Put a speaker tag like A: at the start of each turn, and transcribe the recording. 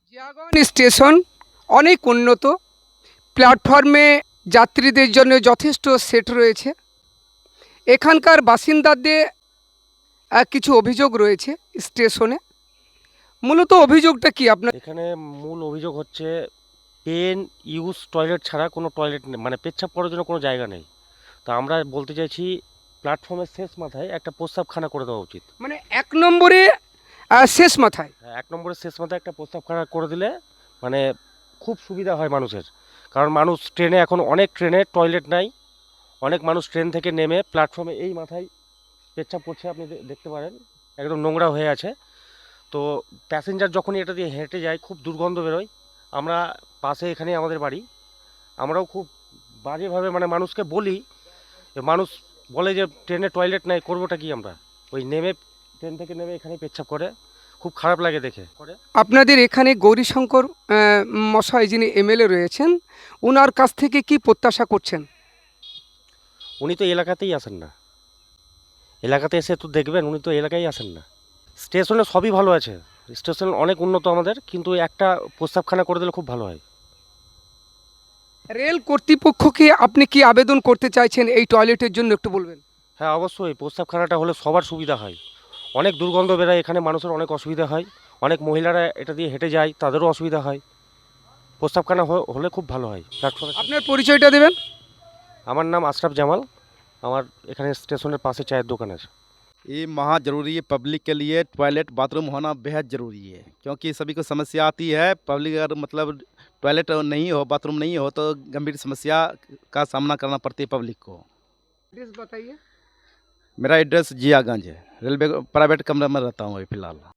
A: Jiaganj station অনেক উন্নত, প্ল্যাটফর্মে যাত্রীদের জন্য যথেষ্ট সেট রয়েছে। এখানকার বাসিন্দাদের কিছু অভিযোগ রয়েছে স্টেশনে। মূলত অভিযোগটা কি আপনার?
B: এখানে মূল অভিযোগ হচ্ছে পেন ইউজ টয়লেট ছাড়া কোনো টয়লেট নেই, মানে পেচ্ছাপ করার জন্য কোনো জায়গা নেই। তো আমরা বলতে চাইছি প্ল্যাটফর্মের শেষ মাথায় একটা প্রস্রাবখানা করে দেওয়া উচিত।
A: মানে 1 নম্বরে শেষ মাথায়।
B: হ্যাঁ, 1 নম্বরের শেষ মাথায় একটা প্রস্রাবখানা করে দিলে মানে খুব সুবিধা হয় মানুষের। কারণ মানুষ ট্রেনে এখন অনেক ট্রেনে টয়লেট নাই, অনেক মানুষ ট্রেন থেকে নেমে প্ল্যাটফর্মে এই মাথায় পেচ্ছাপ করছে, আপনি দেখতে পারেন একদম নোংরা হয়ে আছে। তো প্যাসেঞ্জার যখনই এটা দিয়ে হেঁটে যায় খুব দুর্গন্ধ বেরোয়। আমরা পাশে এখানেই আমাদের বাড়ি, আমরাও খুব বাজেভাবে মানে মানুষকে বলি, মানুষ বলে যে ট্রেনে টয়লেট নাই, করবোটা কি আমরা? ওই নেমে ট্রেন থেকে নেমে এখানেই পেচ্ছাপ করে, খুব খারাপ লাগে দেখে করে।
A: আপনাদের এখানে গৌরীশঙ্কর মশাই যিনি এমএলএ রয়েছেন, ওনার কাছ থেকে কি প্রত্যাশা করছেন?
B: উনি তো এলাকাতেই আসেন না, এলাকাতে এসে তো দেখবেন, উনি তো এলাকায় আসেন না। স্টেশনে সবই ভালো আছে, স্টেশন অনেক উন্নত আমাদের, কিন্তু একটা প্রস্রাবখানা করে দিলে খুব ভালো হয়।
A: রেল কর্তৃপক্ষকে আপনি কি আবেদন করতে চাইছেন এই টয়লেটের জন্য, একটু বলবেন?
B: হ্যাঁ অবশ্যই, প্রস্রাবখানাটা হলে সবার সুবিধা হয়। অনেক দুর্গন্ধ বেরোয়, এখানে মানুষের অনেক অসুবিধা হয়, অনেক মহিলারা এটা দিয়ে হেঁটে যায়, তাদেরও অসুবিধা হয়। প্রস্রাবখানা হলে খুব ভালো হয় প্ল্যাটফর্মে।
A: আপনার পরিচয়টা দেবেন?
B: আমার নাম আশরাফ জামাল, আমার এখানে স্টেশনের পাশে চায়ের দোকান আছে।
C: ये महा ज़रूरी है। पब्लिक के लिए टॉयलेट बाथरूम होना बेहद ज़रूरी है, क्योंकि सभी को समस्या आती है। पब्लिक अगर मतलब टॉयलेट नहीं हो, बाथरूम नहीं हो, तो गंभीर समस्या का सामना करना पड़ती है पब्लिक को।
A: एड्रेस बताइए।
C: मेरा एड्रेस जियागंज है, रेलवे प्राइवेट कमरे में रहता हूँ अभी फ़िलहाल।